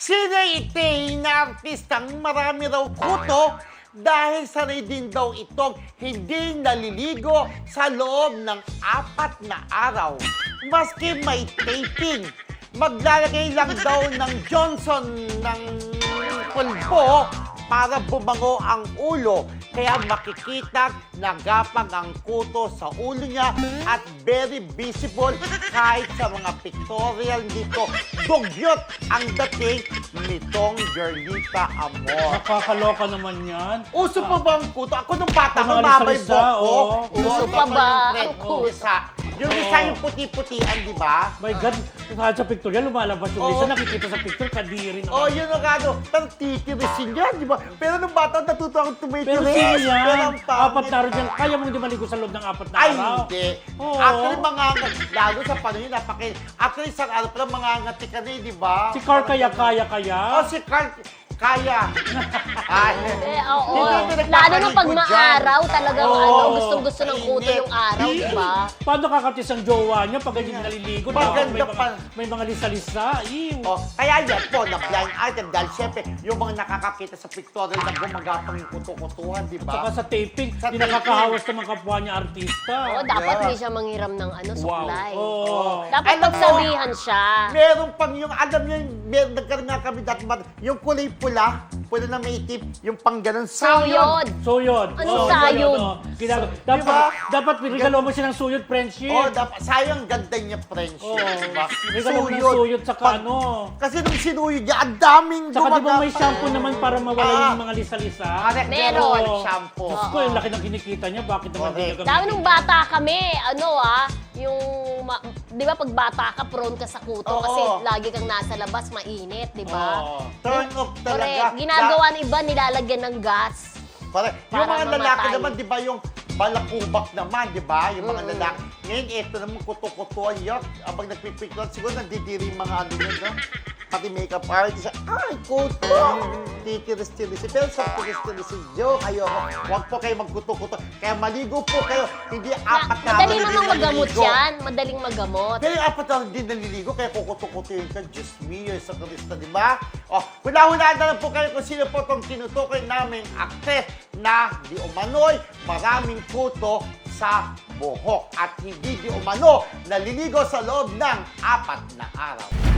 Sina Itay na artistang marami raw kuto dahil sanay din daw itong hindi naliligo sa loob ng 4 na araw. Maski may taping, maglalagay lang daw ng Johnson ng pulbo para bumango ang ulo. Kaya makikita nagapang ang kuto sa ulo niya at very visible kahit sa mga pictorial dito. Dugyot ang dating nitong Girlita Amor. Nakakaloka naman yan. Uso pa ba ang kuto? Ako nung bata ko, Mga mamay lisa-lisa, buhok ko. oo. Uso pa ba ang kuto? Yung isa yung puti-putian, di ba? My God, kahit sa pictorial, lumalabas yung Oo. isa, nakikita sa picture, kadiri Oh, naman. yun ang ano, pero titirisin yan, di ba? Pero nung bata, natuto akong tumitiris. Pero sino yan? Pero ang Apat na araw pangit. dyan, kaya mong di maligo sa loob ng 4 na Ay, araw? hindi. Oo. Actually, lalo sa panahon yun, actually, isang araw pala, mangangati ka na eh, di ba? Si Carl kaya? Oh, si Carl, kaya. Ay. Oo. Hindi, hindi, Lalo na pag nagpapaligo maaraw, talagang Oo. gustong-gusto ng kuto Init. yung araw, di ba? Paano kakatis ang jowa niya pag hindi naliligo? Di ba? Maganda pa. May mga lisa-lisa. Ew. Oh, kaya yan po, na-blind item dahil syempre, yung mga nakakakita sa pictorial na gumagapang yung kuto-kutuhan, di Saka ba? sa taping, Sa hindi taping. nakakahawas ng mga kapwa niya artista. Oo, dapat hindi siya manghiram ng supply. Oo. Dapat Alam mo, magsabihan siya. Meron pang yung, alam nyo, nagkaroon nga kami dati, yung kulay pula na may tip, yung pang ganun, Suyod. Suyod. Anong Oo, sayod? oo. Diba? Dapat regalo mo siya ng suyod, friendship. Oh, dapat, sayang ganda niya, friendship, Oo. diba? Regalo mo ng suyod sa ano. Kasi nung sinuyod niya, ang daming Saka di ba may gumagapang. shampoo naman para mawala yung mga lisa-lisa? Correct, Meron. meron shampoo. Diyos ko, yung laki ng kinikita niya, bakit naman Correct. hindi niya Dami nung bata kami, yung, di ba pag bata ka, prone ka sa kuto Oo. kasi lagi kang nasa labas, mainit, di ba? Oo. Turn off talaga. Correct. Ginagawa ng iba, nilalagyan ng gas. Correct. Yung Para mga lalaki mamatay. naman, di ba, yung balakubak naman, di ba? Yung mga Mm-mm. lalaki. Ngayon, ito naman, kuto-kutuan yun. Abang nagpipiklan, siguro nandidiri yung mga ano yun, no? Pati makeup artist, ay, kuto! Titiris-tiris. Pero sa tiris-tiris, joke, ayoko. Huwag po kayo magkuto-kuto. Kaya maligo po kayo. Hindi 4 na Madali hindi namang magamot naliligo. yan. Madaling magamot. Pero yung 4 na hindi naliligo, kaya kukuto-kuto yun ka. Diyos mio, sa Kristo, di ba? O, hula-hulaan na lang po kayo kung sino po itong tinutukoy naming aktres na di umano'y maraming kuto sa buhok at hindi di umano naliligo sa loob ng 4 na araw.